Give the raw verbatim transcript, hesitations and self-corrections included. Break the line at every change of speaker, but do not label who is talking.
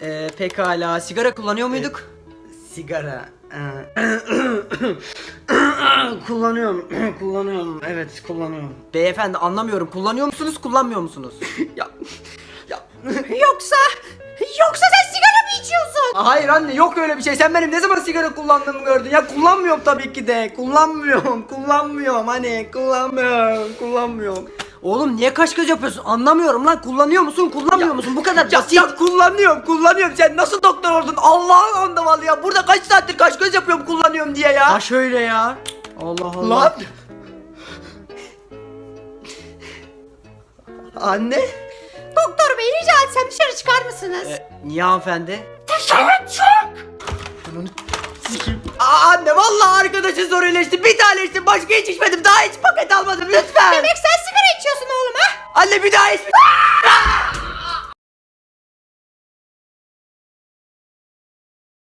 Ee, pekala. Sigara kullanıyor muyduk?
Sigara. kullanıyorum. kullanıyorum. Evet, kullanıyorum.
Beyefendi anlamıyorum. Kullanıyor musunuz, kullanmıyor musunuz?
Ya ya
Yoksa yoksa sen sigara mı içiyorsun?
hayır anne, yok öyle bir şey. Sen benim ne zaman sigara kullandığımı gördün? Ya kullanmıyorum tabii ki de. Kullanmıyorum. Kullanmıyorum. Hani kullanmıyorum. Kullanmıyorum.
Oğlum niye kaş göz yapıyorsun? Anlamıyorum lan. Kullanıyor musun, kullanmıyor
Ya-
musun? Bu kadar
Ya,
basit.
ya kullanıyorum. Kullanıyorum. Sen nasıl doktor oldun? Allah'ın andavallı ya. Burada kaç saattir kaş göz yapıyorum kullanıyorum diye ya.
Ha şöyle ya. Allah Allah.
Lan. Anne.
Doktor bey rica etsem dışarı çıkar mısınız?
Ee, niye hanımefendi?
Dışarı çık.
Aa, anne vallahi arkadaşın zor iyileşti. Bir tane içtim, başka hiç içmedim. Daha hiç paket almadım lütfen.
Demek sen sigara içiyorsun oğlum ha?
Anne bir daha içme.